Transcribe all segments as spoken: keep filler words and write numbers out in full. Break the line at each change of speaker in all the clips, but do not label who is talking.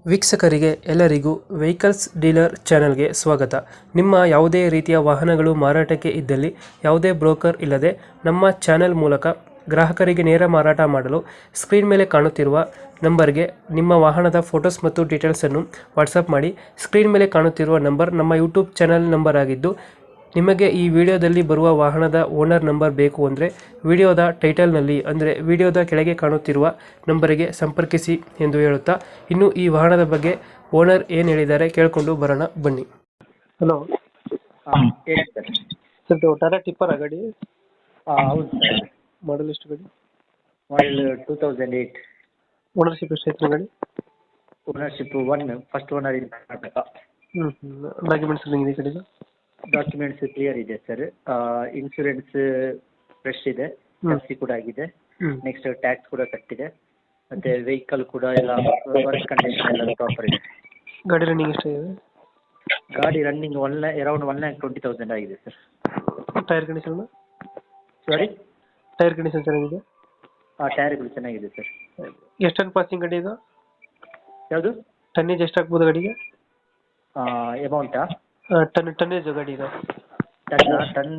ವೀಕ್ಷಕರಿಗೆ ಎಲ್ಲರಿಗೂ vehicles dealer ಚಾನೆಲ್ಗೆ ಸ್ವಾಗತ. ನಿಮ್ಮ ಯಾವುದೇ ರೀತಿಯ ವಾಹನಗಳು ಮಾರಾಟಕ್ಕೆ ಇದ್ದಲ್ಲಿ ಯಾವುದೇ ಬ್ರೋಕರ್ ಇಲ್ಲದೆ ನಮ್ಮ ಚಾನೆಲ್ ಮೂಲಕ ಗ್ರಾಹಕರಿಗೆ ನೇರ ಮಾರಾಟ ಮಾಡಲು ಸ್ಕ್ರೀನ್ ಮೇಲೆ ಕಾಣುತ್ತಿರುವ ನಂಬರ್ಗೆ ನಿಮ್ಮ ವಾಹನದ ಫೋಟೋಸ್ ಮತ್ತು ಡೀಟೇಲ್ಸನ್ನು ವಾಟ್ಸಪ್ ಮಾಡಿ. ಸ್ಕ್ರೀನ್ ಮೇಲೆ ಕಾಣುತ್ತಿರುವ ನಂಬರ್ ನಮ್ಮ ಯೂಟ್ಯೂಬ್ ಚಾನೆಲ್ ನಂಬರ್ ಆಗಿದ್ದು, ನಿಮಗೆ ಈ ವಿಡಿಯೋದಲ್ಲಿ ಬರುವ ವಾಹನದ ಓನರ್ ನಂಬರ್ ಬೇಕು ಅಂದರೆ ವಿಡಿಯೋದ ಟೈಟಲ್ನಲ್ಲಿ ಅಂದರೆ ವಿಡಿಯೋದ ಕೆಳಗೆ ಕಾಣುತ್ತಿರುವ ನಂಬರಿಗೆ ಸಂಪರ್ಕಿಸಿ ಎಂದು ಹೇಳುತ್ತಾ, ಇನ್ನು ಈ ವಾಹನದ ಬಗ್ಗೆ ಓನರ್ ಏನು ಹೇಳಿದ್ದಾರೆ ಕೇಳಿಕೊಂಡು ಬರೋಣ ಬನ್ನಿ. ಹಲೋ
ಹಾಂ ಹೇಳಿ ಸರ್.
ಸರ್, ಟಾಟಾ ಟಿಪ್ಪರ್ ಗಾಡಿ
ಹಾಂ ಹೌದು ಸರ್.
ಮಾಡಲ್ ಎಷ್ಟು ಗಾಡಿ?
Model two thousand eight.
Ownership ಎಷ್ಟು ಐತೆ ಗಾಡಿ?
Ownership one, first owner in Karnataka.
ಹ್ಞೂ ಹ್ಞೂ ಡಾಕ್ಯುಮೆಂಟ್ಸ್ ಇದೆ ಕಡೆದು?
ಡಾಕ್ಯುಮೆಂಟ್ಸ್ ಕ್ಲಿಯರ್ ಇದೆ ಸರ್. ಇನ್ಶೂರೆನ್ಸ್ ಫ್ರೆಶ್ ಇದೆ, ಎಫ್ ಸಿ ಕೂಡ ಆಗಿದೆ.
ಹ್ಞೂ
ನೆಕ್ಸ್ಟ್ ಟ್ಯಾಕ್ಸ್ ಕೂಡ ಕಟ್ಟಿದೆ. ಮತ್ತು ವೆಹಿಕಲ್ ಕೂಡ ಎಲ್ಲ ವರ್ಕ್ ಕಂಡೀಷನ್ ಎಲ್ಲ ಪ್ರಾಪರ್ ಇದೆ.
ಗಾಡಿ ರನ್ನಿಂಗ್ ಎಷ್ಟಾಗಿದೆ?
ಗಾಡಿ running one lakh around one lakh twenty thousand ಆಗಿದೆ sir.
Tyre condition?
Sorry,
tyre condition ಚೆನ್ನಾಗಿದೆ?
ಹಾಂ ಟೈರ್ಗಳು ಚೆನ್ನಾಗಿದೆ ಸರ್.
ಎಷ್ಟು ಟನ್ ಪಾಸಿಂಗ್ ಗಾಡಿ ಇದು?
ಯಾವುದು?
ಟನ್ನೇಜ್ ಎಷ್ಟು ಆಗ್ಬೋದು ಗಾಡಿಗೆ?
ಅಮೌಂಟಾ?
ಟನ್ ಟನ್ನೇಜ್ ಗಾಡಿ ಇದು?
ಟನ್ ಟನ್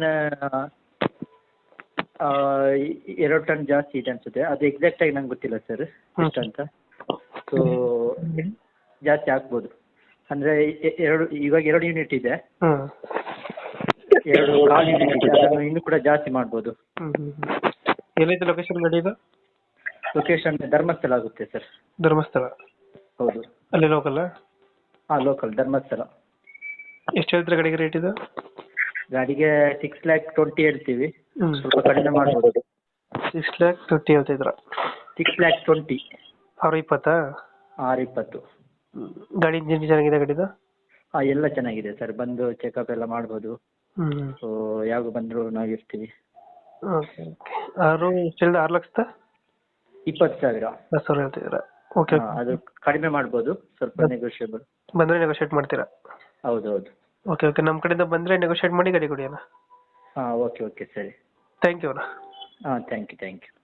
ಎರಡು ಟನ್ ಜಾಸ್ತಿ ಇದೆ ಅನಿಸುತ್ತೆ. ಅದು ಎಕ್ಸಾಕ್ಟಾಗಿ ನಂಗೆ ಗೊತ್ತಿಲ್ಲ ಸರ್ ಎಷ್ಟು ಅಂತ. ಸೊ ಜಾಸ್ತಿ ಆಗ್ಬೋದು. ಅಂದರೆ ಎರಡು ಇವಾಗ ಎರಡು ಯೂನಿಟ್ ಇದೆ,
ಹಾಂ
ಎರಡು ಕಾಲು ಯೂನಿಟ್ ಇದೆ. ಅದನ್ನು ಇನ್ನೂ ಕೂಡ ಜಾಸ್ತಿ ಮಾಡ್ಬೋದು.
ಹ್ಞೂ ಹ್ಞೂ ಹ್ಞೂ ಎಲ್ಲೈತೆ ಲೊಕೇಶನ್ ಗಾಡಿ ಇದು?
ಲೊಕೇಶನ್ ಧರ್ಮಸ್ಥಳ ಆಗುತ್ತೆ ಸರ್.
ಧರ್ಮಸ್ಥಳ?
ಹೌದು.
ಅಲ್ಲಿ ಲೋಕಲ್ಲ?
ಹಾಂ ಲೋಕಲ್ ಧರ್ಮಸ್ಥಳ.
ಎಷ್ಟು ಹೇಳ್ತೀರಾ ಗಾಡಿಗೆ ರೇಟ್ ಇದು?
ಗಾಡಿಗೆ ಸಿಕ್ಸ್ ಲ್ಯಾಕ್ ಟ್ವೆಂಟಿ ಹೇಳ್ತೀವಿ,
ಹ್ಞೂ
ಸ್ವಲ್ಪ ಕಡಿಮೆ ಮಾಡ್ಬೋದು.
ಸಿಕ್ಸ್ ಲ್ಯಾಕ್ ಟ್ವೆಂಟಿ ಹೇಳ್ತಿದ್ರ?
Six lakh twenty.
ಅವ್ರ ಇಪ್ಪತ್ತಾ?
ಆರು ಇಪ್ಪತ್ತು.
ಗಾಡಿ ಇಂಜಿನ್ ಚೆನ್ನಾಗಿದೆ ಗಾಡಿದು?
ಹಾಂ ಎಲ್ಲ ಚೆನ್ನಾಗಿದೆ ಸರ್. ಬಂದು ಚೆಕಪ್ ಎಲ್ಲ ಮಾಡ್ಬೋದು.
ಹ್ಞೂ
ಸೊ ಯಾವಾಗ ಬಂದರೂ ನಾವು ಇರ್ತೀವಿ.
Okay okay. ಆರು ಎಷ್ಟು ಹೇಳಿದ? ಆರು ಲಕ್ಷದ
ಇಪ್ಪತ್ತು ಸಾವಿರ.
ಹತ್ತು ಸಾವಿರ ಹೇಳ್ತಿದ್ದೀರಾ? ಓಕೆ.
ಹಾಂ ಅದು ಕಡಿಮೆ ಮಾಡ್ಬೋದು, ಸ್ವಲ್ಪ ನೆಗೋಷಿಯೇಬಲ್.
ಬಂದರೆ ನೆಗೋಷಿಯೇಟ್ ಮಾಡ್ತೀರಾ?
ಹೌದು ಹೌದು.
Okay okay. ನಮ್ಮ ಕಡೆಯಿಂದ ಬಂದರೆ ನೆಗೋಷಿಯೇಟ್ ಮಾಡಿ ಗಾಡಿ ಕೊಡಿ ಅಣ್ಣ.
ಹಾಂ ಓಕೆ ಓಕೆ ಸರಿ.
ಥ್ಯಾಂಕ್ ಯು ಅಣ್ಣ.
ಹಾಂ ಥ್ಯಾಂಕ್ ಯು ಥ್ಯಾಂಕ್ ಯು.